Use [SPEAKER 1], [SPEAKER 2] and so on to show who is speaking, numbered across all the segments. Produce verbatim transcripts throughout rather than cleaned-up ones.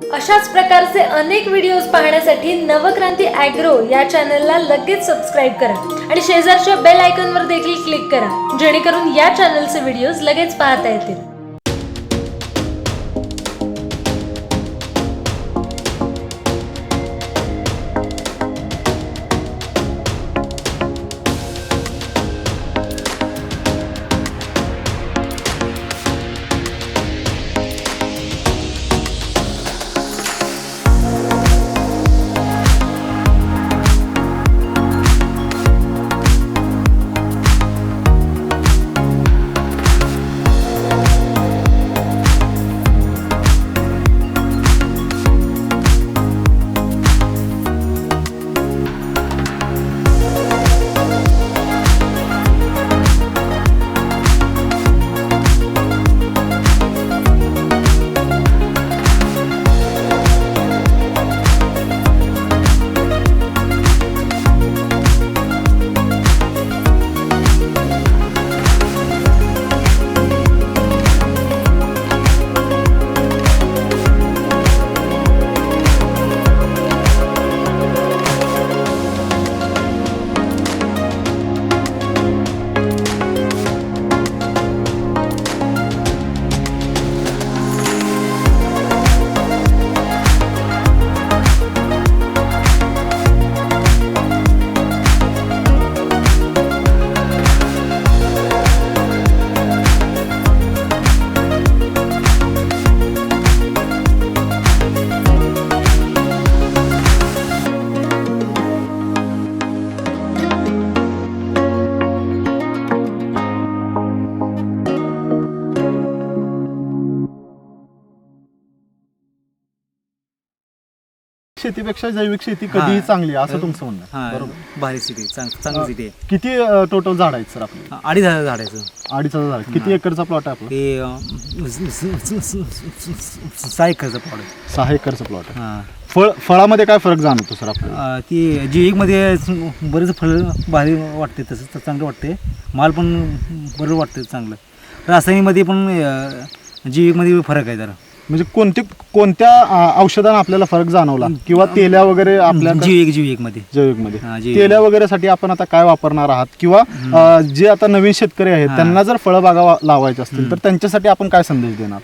[SPEAKER 1] अशाच प्रकारचे अनेक व्हिडिओज पाहण्यासाठी नवक्रांती ॲग्रो या चॅनलला लगेच सबस्क्राईब करा आणि शेजारच्या बेल आयकॉनवर देखील क्लिक करा, जेणेकरून या चॅनलचे व्हिडिओज लगेच पाहता येतील.
[SPEAKER 2] शेतीपेक्षा जैविक शेती कधीही चांगली आहे असं तुमचं म्हणणं आहे.
[SPEAKER 3] हां,
[SPEAKER 2] बरोबर.
[SPEAKER 3] भारी सिटी चांग चांगली सिटी आहे.
[SPEAKER 2] किती टोटल झाड आहेत सर आपले?
[SPEAKER 3] अडीच हजार झाडायचं
[SPEAKER 2] अडीच हजार झाड. किती एकरचा प्लॉट आहे आपला?
[SPEAKER 3] ते अं, स- स- स- स- स- सहा एकरचं प्लॉट आहे.
[SPEAKER 2] सहा एकरचा प्लॉट आहे.
[SPEAKER 3] हां
[SPEAKER 2] फळ फळामध्ये काय फरक जाणवतो सर आपल्याला?
[SPEAKER 3] अं, ती जैविकमध्ये बरेच फळ भारी वाटते, तसं तर चांगलं वाटते. माल पण बरं वाटतं चांगलं. रासायनिकमध्ये पण अं, जैविकमध्ये फरक आहे जरा.
[SPEAKER 2] म्हणजे कोणते कोणत्या अं, औषधांना आपल्याला फरक जाणवला किंवा तेल्या वगैरे आपल्या
[SPEAKER 3] जैविक जैविकमध्ये
[SPEAKER 2] जैविक मध्ये
[SPEAKER 3] हां, जैविक.
[SPEAKER 2] तेल्या वगैरेसाठी आपण आता काय वापरणार आहात किंवा अं, जे आता नवीन शेतकरी आहेत
[SPEAKER 3] हां.
[SPEAKER 2] त्यांना जर फळबागा वा- लावायच्या असतील तर त्यांच्यासाठी आपण काय संदेश देणार?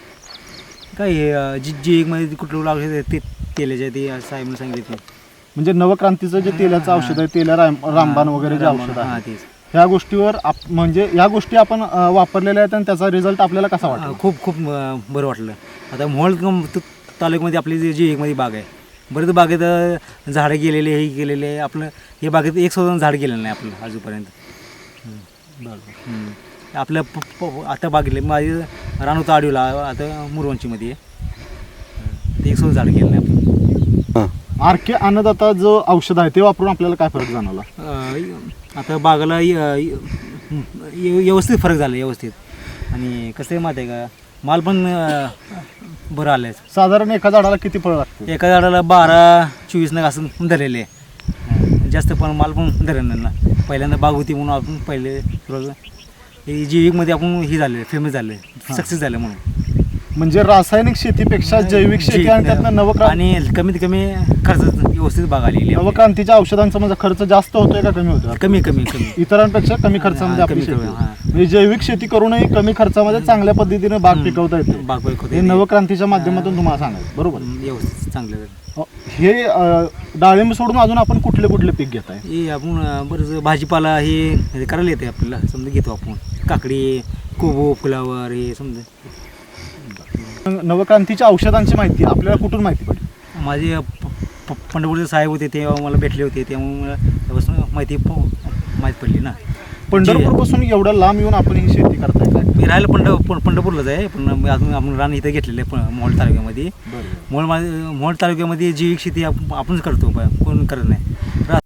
[SPEAKER 3] काय हे, अं, जी जैविकमध्ये कुठलं औषध ते तेलाच्या ते साहेबांनी सांगितले.
[SPEAKER 2] म्हणजे नवक्रांतीचं जे तेलाचं औषध आहे, तेल्या राम- रामबाण वगैरे जे औषध
[SPEAKER 3] हां
[SPEAKER 2] आहे
[SPEAKER 3] तेच.
[SPEAKER 2] ह्या गोष्टीवर आप- म्हणजे या गोष्टी आपण अं, वापरलेल्या आहेत आणि त्याचा रिझल्ट आपल्याला कसा वाटतो?
[SPEAKER 3] अं, खूप खूप अं, बरं वाटलं. आता मोहोळ त- तालुक्यामध्ये आपली जी जी एकमध्ये बाग आहे, बरेच बागेत अं, झाडं गेलेले हे गेलेले, आपलं हे बागेत एक सुद्धा झाड गेलेलं नाही आपलं अजूनपर्यंत. हम्म. आपलं प- प- आता बागेले माझे रान होतं आडीला, आता मुरवंचीमध्ये आहे. ते एक सुद्धा झाड गेलं नाही आपलं.
[SPEAKER 2] आर के अन्नदाता जो औषध आहे ते वापरून आपल्याला काय फरक जाणवला?
[SPEAKER 3] अं, आता बागाला य- य- व्यवस्थित फरक झाला व्यवस्थित. आणि कसं आहे माहिती आहे का, माल पण अं, बरं आलं आहे.
[SPEAKER 2] साधारण एका झाडाला किती फळ लागते?
[SPEAKER 3] एका झाडाला बारा चोवीस नग असं धरलेले आहे. जास्त पण माल पण धरणार ना. पहिल्यांदा बाग होती म्हणून आपण पहिले थोडं हे जैविकमध्ये आपण ही झाले फेमस झाले, सक्सेस झालं म्हणून.
[SPEAKER 2] म्हणजे रासायनिक शेतीपेक्षा जैविक शेती आणि त्यातनं नवक्रांती
[SPEAKER 3] आणि कमीत कमी खर्च व्यवस्थित बाग आलेली आहे.
[SPEAKER 2] नवक्रांतीच्या औषधांचा म्हणजे खर्च जास्त होतोय का कमी होतोय?
[SPEAKER 3] कमी कमी कमी
[SPEAKER 2] इतरांपेक्षा कमी खर्चामध्ये
[SPEAKER 3] हां,
[SPEAKER 2] आपली
[SPEAKER 3] कमी-
[SPEAKER 2] शेती
[SPEAKER 3] कमी,
[SPEAKER 2] होते.
[SPEAKER 3] हां.
[SPEAKER 2] म्हणजे जैविक शेती करूनही कमी खर्चामध्ये चांगल्या पद्धतीने बाग पिकवता येते.
[SPEAKER 3] बाग बाग
[SPEAKER 2] हे नवक्रांतीच्या माध्यमातून तुम्हाला सांगायचं बरोबर.
[SPEAKER 3] व्यवस्थित चांगलं झालं.
[SPEAKER 2] हे अं, डाळिंब सोडून अजून आपण कुठले कुठले पीक घेताय?
[SPEAKER 3] हे आपण अं, बरंच भाजीपाला हे हे करायला येते आपल्याला, समजा घेतो आपण काकडी, कोबो, फुलावर हे समजा.
[SPEAKER 2] नवक्रांतीच्या औषधांची माहिती आपल्याला कुठून माहिती पडली?
[SPEAKER 3] माझे प- प- पंढरपूरचे साहेब होते, ते मला भेटले होते, त्यामुळे मला त्यापासून माहिती प- माहीत पडली ना.
[SPEAKER 2] पंढरपूर पासून एवढं लांब येऊन आपण ही शेती करताय काय?
[SPEAKER 3] मी राहायला पंढ पं- पंढरपूरलाच आहे, पण मी अजून आपण रान इथं घेतलेलं आहे प- मोहोळ तालुक्यामध्ये. मोहोळ मा- मोहोळ तालुक्यामध्ये जैविक शेती आप- आपणच करतो, प- कोण करत नाही.